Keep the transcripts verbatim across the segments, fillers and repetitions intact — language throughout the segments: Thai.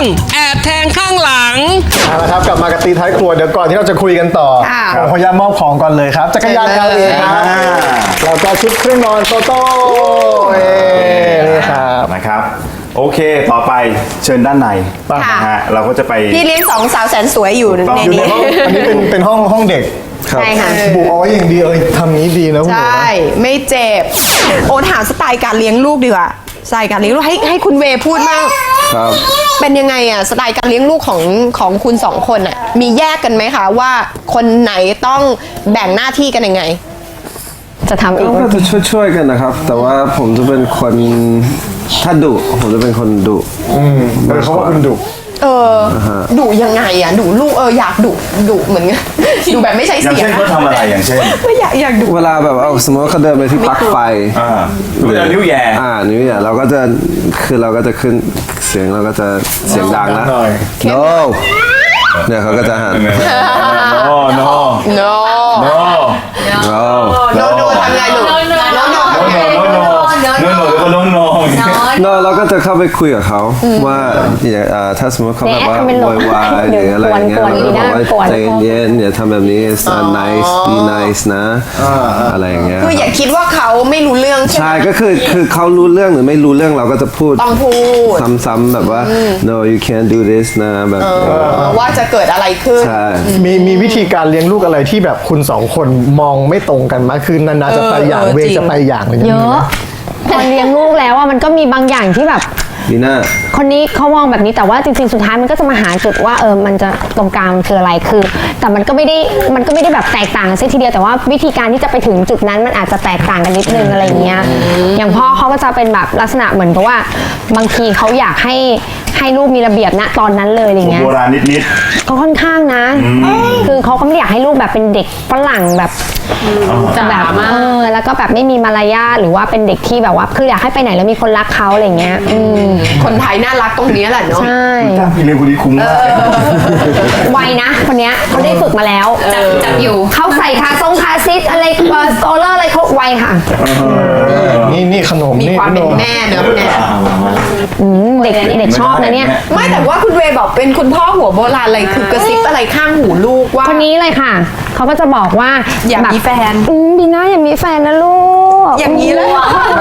แอบแทงข้างหลังเอาละครับกลับมากับตีท้ายครัวเดี๋ยวก่อนที่เราจะคุยกันต่อผมขออนุญาตมอบของก่อนเลยครับจักรยาน แอล เอ ครับแล้วก็ชุดเครื่องนอนโตโต้นี่ครับนะครับโอเคต่อไปเชิญด้านในนะฮะเราก็จะไปพี่เลี้ยงสองสาวแสนสวยอยู่ในนี้อันนี้เป็นเป็นห้องห้องเด็กใช่ค่ะบุกเอาไว้อย่างดีเอ้ยทำนี้ดีนะคุณใช่ไม่เจ็บโอ้ถามสไตล์การเลี้ยงลูกดีกว่าสไตล์การเลี้ยงลูกให้ให้คุณเวพูดมากครับเป็นยังไงอ่ะสไตล์การเลี้ยงลูกของของคุณสองคนอ่ะมีแยกกันไหมคะว่าคนไหนต้องแบ่งหน้าที่กันยังไงจะทำเองก็จะช่วยๆกันนะครับแต่ว่าผมจะเป็นคนถ้าดุผมจะเป็นคนดุอืมเขาว่าคุณดุเออดุยังไงอ่ะดุลูกเอออยากดุดุเหมือนกันดุแบบไม่ใช่เสียงอย่างเช่นเขาทำอะไรอย่างเช่นไม่อยากอยากดุเวลาแบบเอาสมมติว่าเขาเดินไปที่ปลั๊กไฟอ่าหรือนิ้วแย่อ่านิ้วแย่เราก็จะคือเราก็จะขึ้นเสียงเราก็จะเสียงดังนะ no เนี่ยเขาก็จะหัน no no no no no no no ทำไงลูก no no no no no no no แล้วก็ no no no เราก็จะเข้าไปคุยกับเขาว่าถ้าสมมติเขาแบบว่าโวยวายหรืออะไรเงี้ยเราก็บอกว่าใจเย็นอย่าทำแบบนี้ nice be nice นะอะไรอย่างเงี้ยคืออย่าคิดว่าเขาไม่รู้เรื่องใช่ไหมใช่ก็คือคือเขารู้เรื่องหรือไม่รู้เรื่องเราก็จะพูดต้องพูดซ้ำๆแบบว่า no you can't do this นะแบบว่าจะเกิดอะไรขึ้นใช่มีมีวิธีการเลี้ยงลูกอะไรที่แบบคุณสองคนมองไม่ตรงกันมั้ยคือนานาจะไปอย่างเวจะไปอย่างอะไรอย่างเงี้ยเยอะพอเลี้ยงลูกแล้วว่ามันก็มีบางอย่างที่แบบดีน่าคนนี้เขามองแบบนี้แต่ว่าจริงๆสุดท้ายมันก็จะมาหาจุดว่าเออมันจะตรงกลางคืออะไรคือแต่มันก็ไม่ได้มันก็ไม่ได้แบบแตกต่างกันซะทีเดียวแต่ว่าวิธีการที่จะไปถึงจุดนั้นมันอาจจะแตกต่างกันนิดนึงอะไรเงี้ยอย่างพ่อเขาก็จะเป็นแบบลักษณะเหมือนกับว่าบางทีเขาอยากให้ให้ลูกมีระเบียบณตอนนั้นเลยอะไรเงี้ยโบราณนิดๆเขาค่อนข้างนะคือเขาก็ไม่อยากให้ลูกแบบเป็นเด็กฝรั่งแบบจะแบบเออแล้วก็แบบไม่มีมารยาทหรือว่าเป็นเด็กที่แบบว่าคืออยากให้ไปไหนแล้วมีคนรักเขาอะไรเงี้ยคนไทยน่ารักตรงนี้แหละเนาะใช่พี่เลี้ยงคนนี้คุ้มมากไวนะคนเนี้ยเขาได้ฝึกมาแล้วจับจับอยู่เขาใส่คาทรงคาซิสอะไรโซลเลอร์อะไรเขาไวค่ะนี่นี่ขนมมีความเป็นแม่เนอะคุณแม่เด็กเด็กชอบนะเนี่ยไม่แต่ว่าคุณเวบอกเป็นคุณพ่อหัวโบราณอะไรคือกระซิบอะไรข้างหูลูกว่าคนนี้เลยค่ะเขาก็จะบอกว่าอยากมีแฟนบีน่าอยากมีแฟนนะลูกอย่างนี้เลย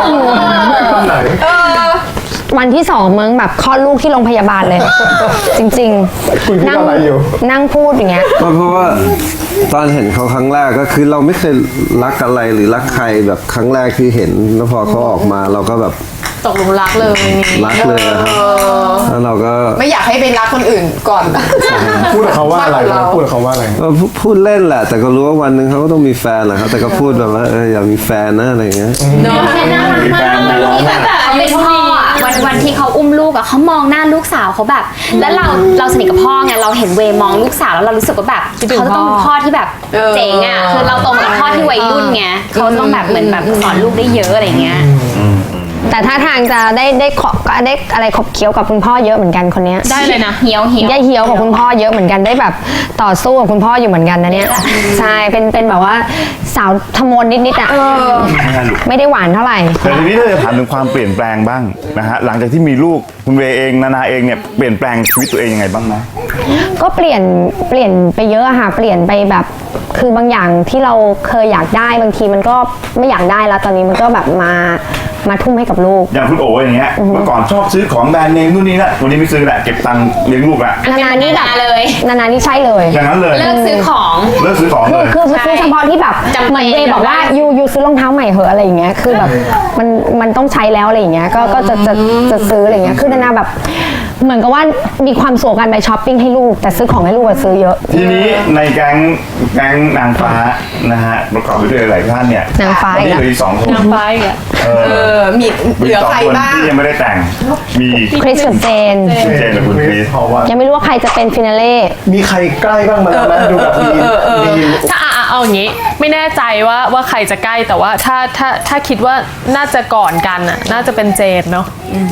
วันที่สองมึงแบบคลอดลูกที่โรงพยาบาลเลยจริงๆนั่งนั่งพูดอย่างเงี้ยเพราะว่าตอนเห็นเขาครั้งแรกก็คือเราไม่เคยรักอะไรหรือรักใครแบบครั้งแรกที่เห็นแล้วพอเขาออกมาเราก็แบบตกหลุมรักเลยรักเลยครับแล้วเราก็ไม่อยากให้ไปรักคนอื่นก่อนพูดกับเขาว่าอะไรพูดกับเขาว่าอะไรพูดเล่นแหละแต่ก็รู้ว่าวันหนึ่งเขาก็ต้องมีแฟนแหละครับแต่ก็พูดแบบว่าเอออยากมีแฟนนะอะไรเงี้ยน้องน่ารักมากแบบเขาเป็นพ่อวันวันที่เขาอุ้มลูกอะเขามองหน้าลูกสาวเขาแบบแล้วเราเราสนิทกับพ่อไงเราเห็นเวมองลูกสาวแล้วเรารู้สึกว่าแบบเขาต้องเป็นพ่อที่แบบเจ๋งอะคือเราโตมากับพ่อที่วัยรุ่นไงเขาต้องแบบเหมือนแบบสอนลูกได้เยอะอะไรเงี้ยแต่ถ้าทางจะได้ได้ขอบได้อะไรขบเคี้ยวกับคุณพ่อเยอะเหมือนกันคนนี้ได้เลยนะเหี่ยวเหี่ยวได้เหี่ยวกับคุณพ่อเยอะเหมือนกันได้แบบต่อสู้กับคุณพ่ออยู่เหมือนกันนะเนี่ยใช่เป็นเป็นแบบว่าสาวทมนนิดนิดอ่ะไม่ได้หวานเท่าไหร่แต่ทีนี้ถ้าจะถามถึงความเปลี่ยนแปลงบ้างนะฮะหลังจากที่มีลูกคุณเวเองนานาเองเนี่ยเปลี่ยนแปลงชีวิตตัวเองยังไงบ้างนะก็เปลี่ยนเปลี่ยนไปเยอะค่ะเปลี่ยนไปแบบคือบางอย่างที่เราเคยอยากได้บางทีมันก็ไม่อยากได้แล้วตอนนี้มันก็แบบมามาทุ่มให้กับลูกอย่างคุณโอ๋อย่างเงี้ยเมื่อก่อนชอบซื้อของแบรนด์เนมนู่นนี่นะวันนี้ไม่ซื้อแหละเก็บตังค์เลี้ยงลูกละนานานี่แบบเลยนานานี่ใช่เลยอย่างนั้นเลยเลิกซื้อของเลิกซื้อของเลยคือซื้อเฉพาะที่แบบเหมือนเวบอกว่ายูยูซื้อรองเท้าใหม่เหอะอะไรอย่างเงี้ยคือแบบมันมันต้องใช้แล้วอะไรอย่างเงี้ยก็ก็จะจะจะซื้ออะไรอย่างเงี้ยคือนานาแบบเหมือนกับว่ามีความสุขกันไปช้อปปิ้งให้ลูกแต่ซื้อของให้ลูกซื้อเยอะทีนี้ในแก๊งแก๊งนางฟ้านะฮะประกอบไปด้วยหลายท่านเนี่ยนางฟ้าอีกเหลืออีกสองคนนางฟ้าอีกเออมีเหลือใครบ้างที่ยังไม่ได้แต่งมีคริสกับเจนเจนกับคุณคริสยังไม่รู้ว่าใครจะเป็นฟินาเล่มีใครใกล้บ้างมาแล้วนะดูแบบมีถ้าเอาอย่างนี้ไม่แน่ใจว่าว่าใครจะใกล้แต่ว่าถ้าถ้าถ้าคิดว่าน่าจะก่อนกันน่ะน่าจะเป็นเจนเนาะ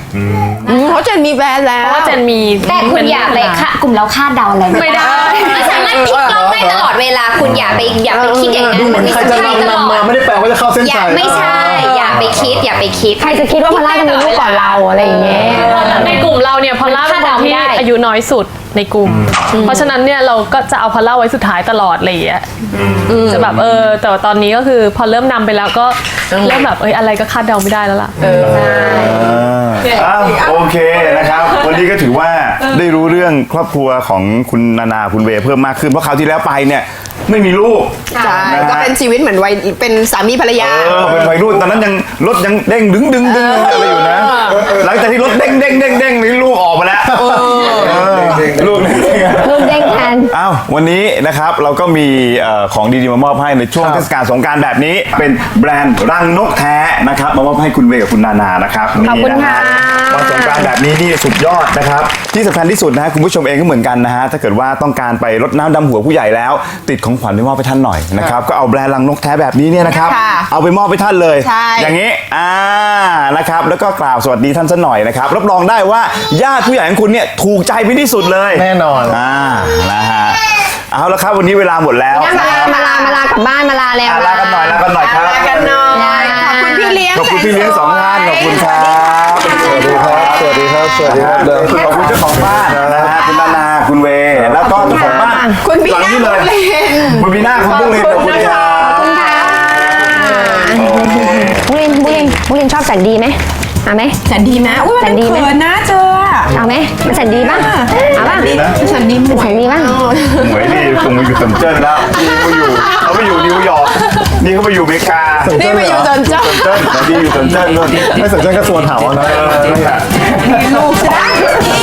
อืมเพราะเจนมีแฟนแล้วเพราะว่าเจนมีแต่คุณอย่าไปคาดกลุ่มเราคาดเดาอะไรไม่ได้ไม่สามารถพลิกกล้องได้ตลอดเวลาคุณอย่าไปอย่าไปคิดอย่างนั้นดูเหมือนไม่ใครจะใช่ตลนำอมาดไม่ได้แปลว่าจะเข้าเส้นอย่าชัยไม่ใช่ อย่าไปคิดอย่าไปคิดใครจะคิดว่าพอลล่าจะมีลูกก่อนเราอะไรอย่างเงี้ยในกลุ่มเราเนี่ยพอลล่าเป็นคนที่คาดเดาไม่ได้อายุน้อยสุดในกลุ่ม เพราะฉะนั้นเนี่ยเราก็จะเอาพอลล่าไว้สุดท้ายตลอดอะไรอย่างเงี้ยจะแบบเออแต่ว่าตอนนี้ก็คือพอเริ่มนำไปแล้วก็เริ่มแบบเอ้ยอะไรก็คาดเดาไม่ได้แล้วล่ะอ้าวโอเคนะครับ วันนี้ก็ถือว่าได้รู้เรื่องครอบครัวของคุณนานาคุณเวย์เพิ่มมากขึ้นเพราะคราวที่แล้วไปเนี่ยไม่มีลูกใช่ก็เป็นชีวิตเหมือนวัยเป็นสามีภรรยาเออเป็นวัยรุ่นตอนนั้นยังรถยังเด้งดึงดึงดึงอะไรอยู่นะ หลังจากที่รถเด้งเด้งเด้งเด้งนี่ลูกออกมาแล้วเออลูกลูกเด้งแทนอ้าววันนี้นะครับเราก็มีเอ่อของดีๆมามอบให้ในช่วงเทศกาลสงกรานต์แบบนี้ เป็นแบรนด์รังนกแท้นะครับมามอบให้คุณเวย์กับคุณนานานะครับขอบคุณนี่นฮค่ะวันสงกรานต์แบบนี้นี่สุดยอดนะครับที่สำคัญที่สุดนะฮะคุณผู้ชมเองก็เหมือนกันนะฮะถ้าเกิดว่าต้องการไปรดน้ำดำหัวผู้ใหญ่แล้ว ติดของขวัญไปมอบไปท่านหน่อยนะครับก็เอาแบรนด์รังนกแท้แบบนี้เนี่ยนะครับค่ะเอาไปมอบไปท่านเลยใช่อย่างนี้อ่านะครับแล้วก็กล่าวสวัสดีท่านซะหน่อยนะครับรับรองได้ว่าญาติผู้ใหญ่ของคุณเนี่ยถูกใจเป็นที่สุดเลยแน่นอนอ่านะฮะเอาละครับวันนี้เวลาหมดแล้วมาลามาลามาลากลับบ้านมาลาแล้วอ่ะลากันหน่อยลากันหน่อยครับลากันหน่อยขอบคุณพี่เลี้ยงขอบคุณพี่เลี้ยงสองท่านขอบคุณครับสวัสดีครับ สวัสดีครับ สวัสดีครับขอบคุณเจ้าของบ้านนะฮะคุณนานาคุณเวย์แล้วก็เจ้าของบ้านคุณบีหลังน่านี้เลยบุญเล่นคุณบีน่าคุณบุ้งเลนขอบคุณครับโอเคบุรินบุรินบุรินชอบแสนดีไหมเอาไหมแสนดีไหมอุ้ยแสนดีไหมเขินนะเจอเอาไหมมันแสนดีป่ะเอาป่ะดีนะแสนดีหมมันวแสยนดีป่ะหมวยนี่คงมาอยู่เซินเจิ้นแล้วนี่เขาอยู่เขาไปอยู่นิวยอร์กนี่เขาไปอยู่อเมริกานี่มาอยู่จนเจ้าเซินเจิ้นแต่นี่อยู่เซินเจิ้นนู่นไม่สนใจก็ส่วนถามนะเออนั่นแหละลูกใช่ไหม